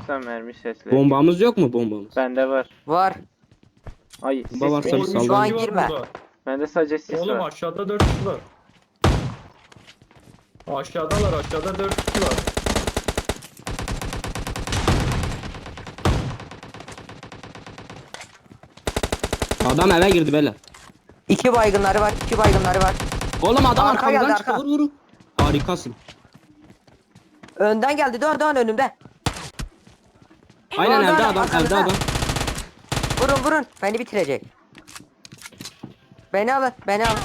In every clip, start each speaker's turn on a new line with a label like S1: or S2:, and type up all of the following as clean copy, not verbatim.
S1: yoksa mermi sesleri.
S2: Bombamız yok mu bombamız?
S1: Bende var.
S3: Var.
S1: Ay
S2: Bomba
S1: sis
S2: varsa
S1: mi?
S2: bir
S3: Şu an
S2: sallayın.
S3: girme.
S1: Bende sadece sis
S4: Oğlum
S1: var.
S4: aşağıda 4 kişi var. Aşağıdalar, aşağıda 4 kişi var.
S2: Adam eve girdi beyler.
S3: 2 baygınları var. 2 baygınları var.
S2: Oğlum adam
S3: Arka
S2: arkamdan
S3: geldi,
S2: çıktı
S3: arka.
S2: vur vur. Harikasın.
S3: Önden geldi. Dön önümde.
S2: Aynen
S3: Doğan,
S2: evde
S3: Doğan,
S2: adam
S3: arkamda.
S2: evde adam.
S3: Vurun. Beni bitirecek. Beni alın. Beni alın.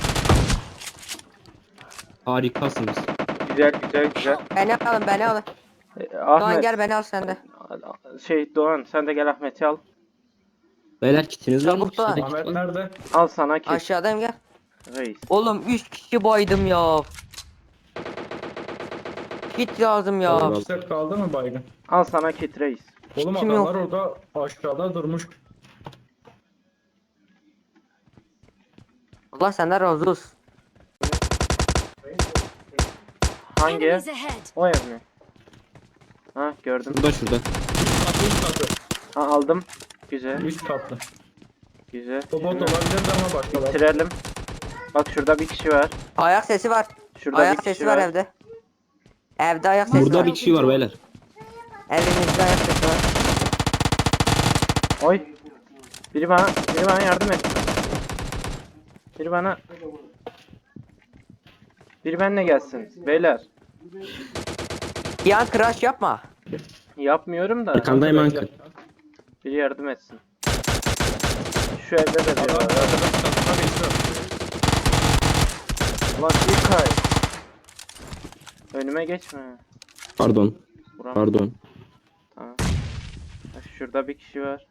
S2: Harikasınız.
S1: Güzel.
S3: Beni alın. Doğan
S1: Ahmet.
S3: gel beni al sen de.
S1: Doğan sen de gel Ahmet'i al.
S2: Beyler kitiniz var mı?
S3: Çabuk Doğan.
S2: Kitede
S4: Ahmet
S2: kit var.
S4: nerede?
S1: Al sana kit.
S3: Aşağıdayım gel.
S1: Reis.
S3: Oğlum 3 kişi baydım ya. Kit lazım ya.
S2: Eyvallah.
S4: Set kaldı mı baygın?
S1: Al sana kit reis.
S4: Oğlum
S3: Kim
S4: adamlar orada aşağıda durmuş.
S3: Allah senden razı olsun.
S1: Hangi ev?
S5: Enemies ahead.
S1: O ev mi? Ha gördüm.
S2: Şurada.
S4: 3 katı.
S1: Ha aldım. Güzel.
S4: 3 katlı.
S1: Güzel.
S4: O bot olabilir ama başkalar.
S1: Bitirelim. Bak şurada bir kişi var.
S3: Ayak sesi var.
S1: Şurada bir
S3: Ayak
S1: kişi
S3: sesi var evde. Evde ayak sesi
S2: Burada
S3: var.
S2: bir kişi var beyler.
S3: Evinizde ayak sesi var.
S1: Oy. Biri bana yardım et. Biri benimle gelsin. Beyler.
S3: Yan crash yapma.
S1: Yapmıyorum da.
S2: Arkandayım Ankara.
S1: Biri yardım etsin. Şu evde de biri
S4: Adam
S1: var.
S4: çatına geçiyor.
S1: Ulan İlkay. Önüme geçme.
S2: Pardon.
S1: Vuramam.
S2: Pardon.
S1: Tamam. Ha, şurada bir kişi var.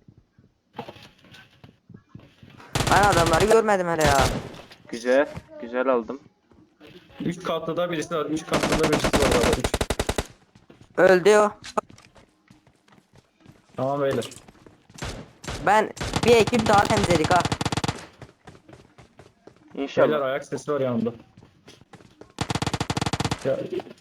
S3: Ben adamları görmedim hele ya.
S1: Güzel aldım.
S4: 3 katlıda birisi var. 3 katlıda birisi var orada. 3.
S3: Öldü o.
S4: Tamam beyler.
S3: Ben bir ekip daha temizledik ha.
S4: Beyler
S1: İnşallah.
S4: ayak sesi var yanımda. Ya,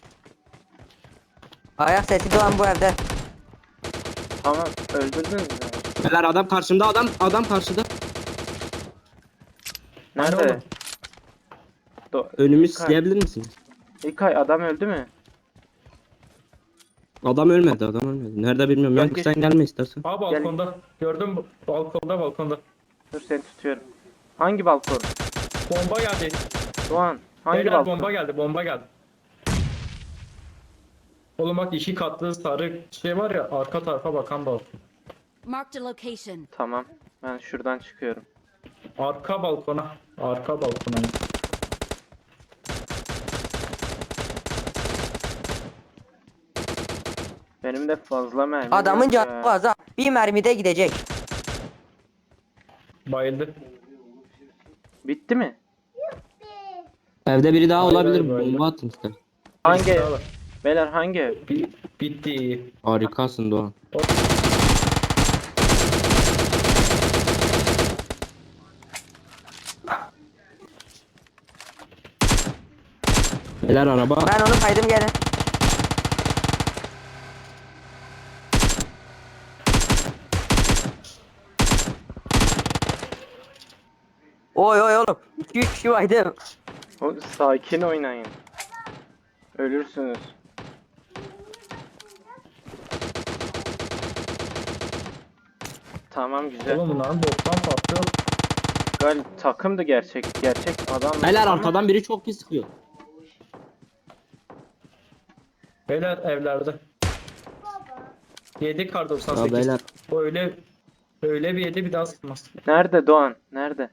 S3: Ayak sesi doğan bu evde.
S1: Tamam öldürdünüz mü?
S2: Beyler adam karşımda adam karşıda.
S1: Nerede?
S4: oğlum?
S2: Önümü
S1: İlkay.
S2: silebilir misin?
S1: İlkay adam öldü mü?
S2: Adam ölmedi. Nerede bilmiyorum.
S1: Gel,
S2: Yankı
S1: geç.
S2: sen gelme istersen.
S4: Aa balkonda. Gördüm balkonda.
S1: Dur seni tutuyorum. Hangi balkon?
S4: Bomba geldi.
S1: Doğan. Hangi
S4: Beyler
S1: balkon?
S4: bomba geldi. Oğlum bak 2 katlı sarı şey var ya arka tarafa bakan balkon.
S5: Marked a location.
S1: Tamam. Ben şuradan çıkıyorum.
S4: Arka balkona.
S1: Benim de fazla mermi
S3: Adamın
S1: yok ya.
S3: canı fazla. Bir mermide gidecek.
S4: Bayıldı.
S1: Bitti mi?
S2: Evde biri daha
S4: Hayır,
S2: olabilir.
S4: hayır.
S2: Bomba atın ister.
S1: Hangi
S4: Birisi
S1: ev?
S4: daha var.
S1: Beyler hangi ev?
S4: Bitti.
S2: Harikasın Doğan. Beyler araba.
S3: Ben onu kaydım gelin. Oy oğlum. 2-3 kişi baydım.
S1: Sakin oynayın. Ölürsünüz. Tamam güzel.
S4: Oğlum bunların boktan patlıyor.
S1: Takımdı gerçek adam.
S2: Beyler arkadan biri çok pis sıkıyor.
S4: Beyler evlerde. 7 kar
S2: Ya
S4: 98.
S2: beyler.
S4: O öyle bir yedi bir daha sıkmaz.
S1: Nerede Doğan? Nerede?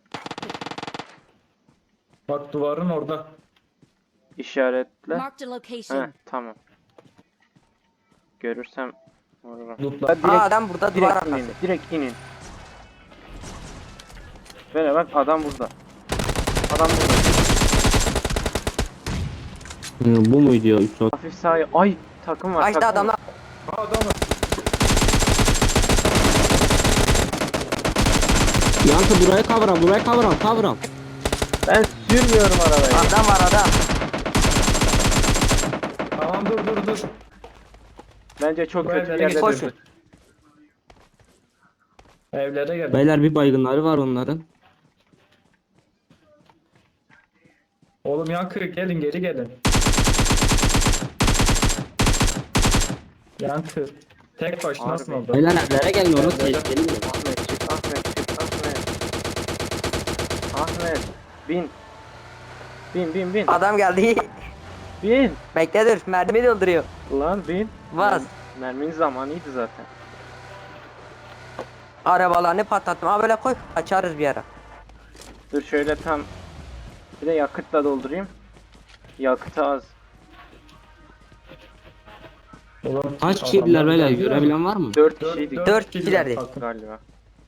S4: Bak duvarın orada.
S1: İşaretle.
S5: Marked a location.
S1: Heh, tamam. Görürsem vururum.
S4: Lootla.
S3: Aa adam burada duvar
S1: Direkt inin.
S3: arkası.
S1: Direkt inin. Böyle bak adam burada. Adam burada.
S2: Bu muydu ya? 3 saat.
S1: Hafif sağa. Ay takım var.
S3: Kaçtı
S1: takım var.
S3: adamlar.
S4: Aa adam var.
S2: Yankı buraya cover al.
S1: Ben sürmüyorum arabayı.
S3: Adam var adam.
S4: Tamam dur.
S1: Bence çok
S4: Bu
S1: kötü bir
S4: evlere
S1: yerde
S4: geçelim.
S1: durdu.
S4: Evlere gel.
S2: Beyler bir baygınları var onların.
S4: Oğlum Yankı gelin geri gelin. Yankı. Tek başınasın
S1: Harbi.
S4: orada.
S2: Beyler evlere gelin onu
S4: Evlere.
S2: tehlikeli mi?
S1: Ahmet çık, Ahmet çık, Ahmet. Ahmet bin. Bin.
S3: Adam geldi.
S1: Bin.
S3: Bekle dur. Mermi dolduruyor.
S1: Lan bin.
S3: Bas.
S1: Merminin zamanıydı zaten.
S3: Arabalarını patlattım. Ha böyle koy. Açarız bir ara.
S1: Dur şöyle tam. Bir de yakıtla doldurayım. Yakıtı az.
S4: Oğlum,
S2: Kaç kişiydiler
S4: adamlar
S2: beyler?
S4: geldi ya.
S2: Görebilen var mı?
S1: 4 kişiydik
S3: Dört
S4: kişiler
S3: kişilerdi.
S4: takım.
S1: galiba.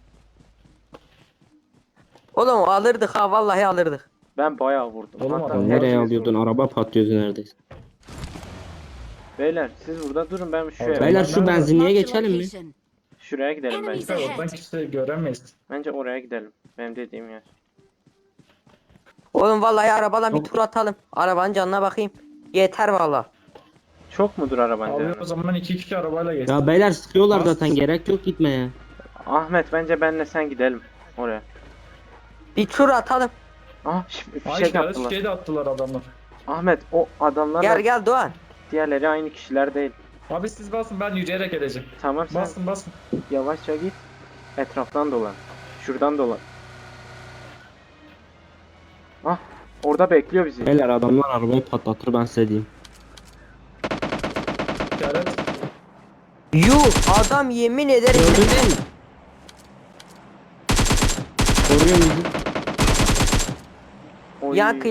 S3: Oğlum alırdık ha. Vallahi alırdık.
S1: Ben bayağı vurdum.
S4: Oğlum
S1: Hatta
S4: adam
S2: Nereye
S1: hepimiz
S2: alıyordun?
S1: vurduk.
S2: Araba patlıyordu neredeyse.
S1: Beyler siz burada durun, ben şu
S4: Beyler,
S1: eve.
S2: Beyler şu
S4: nerede?
S2: benzinliğe
S5: Marked a
S2: geçelim mi?
S5: location.
S1: Şuraya gidelim
S5: Enemies
S1: bence.
S4: Oradan kimse göremeyiz.
S1: Bence oraya gidelim. Benim dediğim yer.
S3: Oğlum vallahi arabadan bir
S2: Yok.
S3: tur atalım. Arabanın canına bakayım. Yeter vallahi.
S1: Çok mudur araban
S4: Abi
S1: canım?
S4: o zaman 2 kişi arabayla geçsin.
S2: Ya beyler sıkıyorlar
S4: Bas.
S2: zaten, gerek yok gitmeye.
S1: Ahmet bence benle sen gidelim oraya.
S3: Bir tur atalım.
S1: Ah
S4: Ay
S1: fişek
S4: işaret
S1: attılar.
S4: şey de attılar adamlar.
S1: Ahmet o adamlarla
S3: Gel Doğan.
S1: diğerleri aynı kişiler değil.
S4: Abi siz basın ben yürüyerek geleceğim.
S1: Tamam sen
S4: Basın.
S1: yavaşça git. Etraftan dolan. Şuradan dolan. Ah orada bekliyor bizi.
S2: Beyler adamlar arabayı patlatır, ben size diyeyim.
S4: İşaret.
S3: Yuh adam yemin ederim.
S2: Gördün değil mi? Koruyor bizi.
S1: Oy.
S3: Yankı.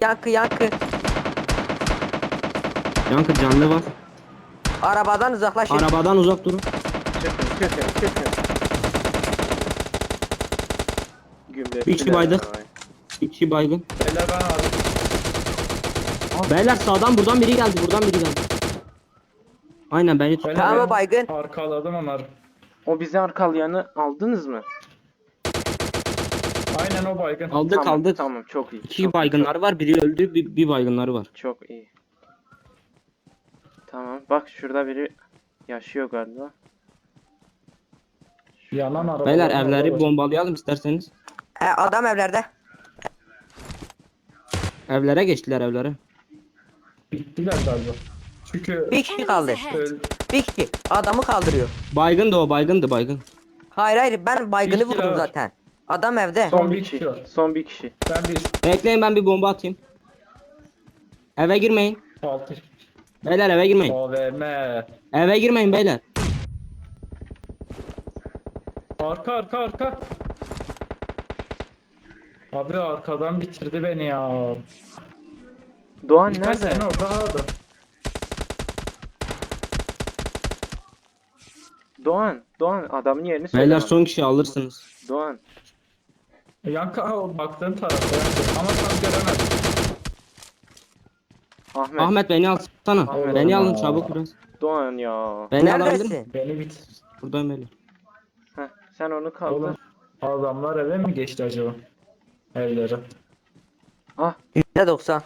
S2: Yankı canlı var.
S3: Arabadan uzaklaşın.
S2: Arabadan uzak durun.
S1: Çıkın. Gümle.
S2: Bir kişi baydık. Bir kişi baygın.
S4: Beyler ben aldım.
S2: Beyler sağdan buradan biri geldi. Aynen beni tut.
S4: Beyler,
S3: Tamam,
S4: ben
S3: baygın.
S4: Arkaladım onları.
S1: O bizi arkalayanı aldınız mı?
S4: Aynen o baygın.
S2: Aldık.
S1: Tamam çok iyi.
S2: İki
S1: çok iyi,
S2: baygınları var. Biri öldü. Bir baygınları var.
S1: çok iyi. Tamam bak şurada biri yaşıyor galiba.
S4: Yanan araba.
S2: Beyler evleri bombalayalım isterseniz.
S3: Adam evlerde.
S2: Evlere geçtiler, evlere.
S4: Bittiler galiba. Çünkü
S3: Bir kişi kaldı.
S5: Enemies ahead.
S3: Bir kişi. Adamı kaldırıyor.
S2: Baygın da o, baygın.
S3: Hayır ben baygını
S4: Bir kişi
S3: vurdum
S4: var.
S3: zaten. Adam evde.
S1: Son
S4: Son
S1: bir
S4: bir
S1: kişi.
S4: kişi var.
S1: Son bir kişi.
S4: ben
S2: Bekleyin, ben bir bomba atayım. Eve girmeyin.
S4: 6
S2: Beyler eve girmeyin.
S4: AVM.
S2: Eve girmeyin beyler.
S4: Arka. Abi arkadan bitirdi beni ya.
S1: Doğan
S4: Birkaç
S1: nerede?
S4: sene orada aldı.
S1: Doğan adamın yerini söyle
S2: Beyler
S1: bana.
S2: son kişi alırsınız.
S1: Doğan.
S4: Yankı o baktığın tarafta yankı. Ama tam göremedim.
S1: Ahmet.
S2: Ahmet beni alsana.
S1: Ahmet.
S2: Beni alın çabuk biraz.
S1: Doğan ya.
S2: Beni alabilir misin?
S3: Neredesin?
S4: Beni bit.
S2: Buradan beyler.
S1: Heh, sen onu kaldır.
S4: Oğlum adamlar eve mi geçti acaba? Evlere.
S1: Ah
S3: %90.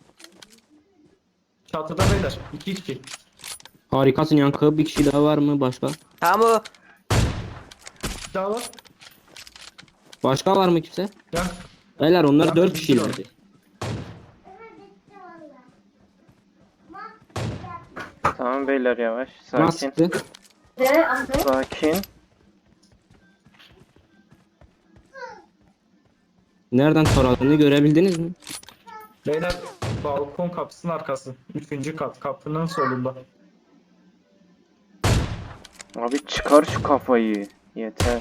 S4: Çatıda beyler. 2 kişi.
S2: Harikasın Yankı. Bir kişi daha var mı başka?
S3: Tamam o.
S4: Daha var.
S2: Başka var mı kimse?
S4: Yank.
S2: Beyler onlar
S4: Yankı
S2: 4
S4: bir
S2: kişilerdi.
S1: tamam beyler yavaş.
S2: Nasıl
S1: Sakin.
S2: sıktı?
S1: Sakin.
S2: Nereden taradığını görebildiniz mi?
S4: Beyler balkon kapısının arkası. 3. kat. Kapının solunda.
S1: Abi çıkar şu kafayı. Yeter.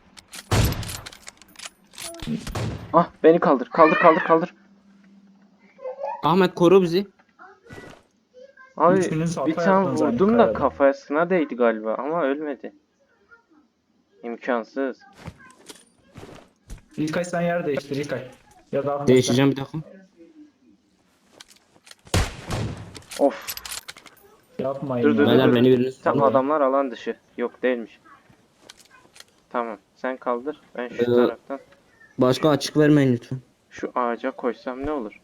S1: Ah beni kaldır. Kaldır.
S2: Ahmet koru bizi.
S1: Abi
S4: Üçünüz hata
S1: bir tane
S4: yaptınız aynı
S1: vurdum da
S4: kayada.
S1: kafasına değdi galiba ama ölmedi. İmkansız.
S4: İlkay sen yer değiştir İlkay. Ya da Ahmet
S2: Değişeceğim bir dakika.
S1: Of.
S4: sen. Yapmayın.
S1: Dur, dur,
S4: ya.
S2: Beyler beni biriniz
S1: Tam
S2: tutun.
S1: adamlar alan dışı. Yok değilmiş. Tamam. Sen kaldır. Ben şu
S2: Ee,
S1: taraftan
S2: Başka açık vermeyin lütfen.
S1: şu ağaca koysam ne olur?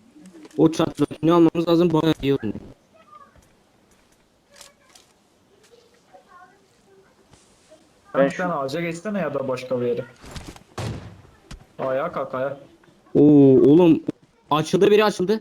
S2: O çatlatını almamız lazım, bayağı iyi oynuyor.
S1: Ben
S4: Sen ağaca geçsene ya da başka bir yere. Ayağa kalk ayağa.
S2: Oo oğlum. Açıldı, biri açıldı.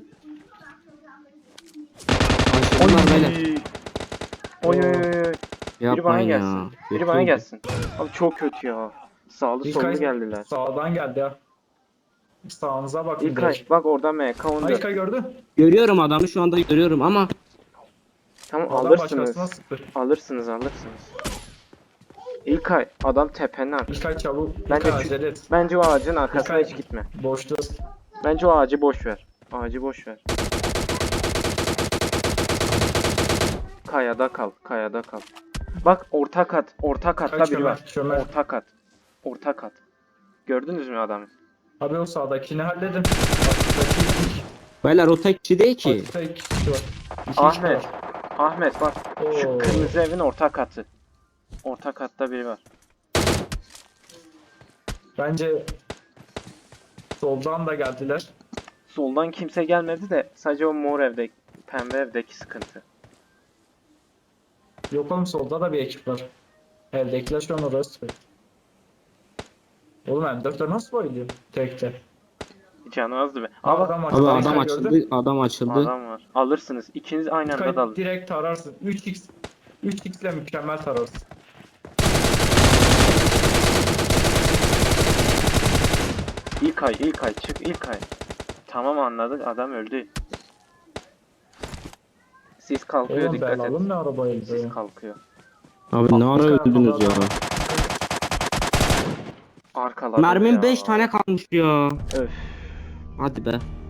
S2: Açıldılar beyler.
S1: Oy oy oy oy. Biri bana
S2: Yapmayın ya.
S1: gelsin.
S2: Kötü
S1: Biri bana
S2: oldu.
S1: gelsin. Abi çok kötü ya. Sağlı sollu
S4: İlkay
S1: geldiler.
S4: sağdan geldi ya. Sağınıza bakın
S1: İlkay
S4: direkt.
S1: bak orada MK
S4: Ha,
S1: 14.
S4: İlkay gördün.
S2: Görüyorum adamı şu anda, görüyorum ama
S1: Tamam
S4: Adam
S1: alırsınız.
S4: başkasına sıktı.
S1: Alırsınız. İlkay adam tepenin arkasında.
S4: İlkay çabuk.
S1: Bence
S4: İlkay
S1: şu-
S4: acele et.
S1: Bence o ağacın arkasına
S4: İlkay-
S1: hiç gitme.
S4: Boşluğuz.
S1: Bence o ağacı boş ver. Ağacı boş ver. Kayada kal. Kayada kal. Bak orta kat. Orta katta
S4: Kaç
S1: biri var.
S4: çömel.
S1: Orta kat. Orta kat. Gördünüz mü adamı?
S4: Abi o sağdakini halledin. Alttaki
S2: beyler o tek kişi değil ki.
S4: altta iki kişi var. İki
S1: Ahmet.
S4: kişi var.
S1: Ahmet bak. Şu
S4: Oo.
S1: kırmızı evin orta katı. Orta katta biri var.
S4: Bence soldan da geldiler.
S1: Soldan kimse gelmedi de sadece o mor evde, pembe evdeki sıkıntı.
S4: Yok oğlum solda da bir ekip var. Evdekiler şu an oraya sıkıyor. Oğlum M4'ler nasıl bayılıyor? Tekte.
S1: Canı azdı be. Aa bak
S4: Adam
S2: Abi
S4: açıldı.
S2: adam
S4: İlkay
S2: açıldı,
S4: gördün.
S2: adam açıldı.
S1: adam var. Alırsınız. İkiniz aynı anda da
S4: İlkay
S1: alın.
S4: direkt tararsın. 3x ile mükemmel tararsın.
S1: İlkay çık İlkay. Tamam anladık adam öldü. Siz kalkıyor
S4: Oğlum
S1: dikkat
S4: belalım
S1: et.
S4: ne arabayı
S1: Siz
S4: ya.
S1: kalkıyor.
S2: Abi ne ara
S4: İlkay
S2: öldünüz ya.
S4: adam-
S1: Arkalarda
S2: Mermim
S1: ya.
S2: 5 tane kalmış ya.
S1: Öf.
S2: Hadi be.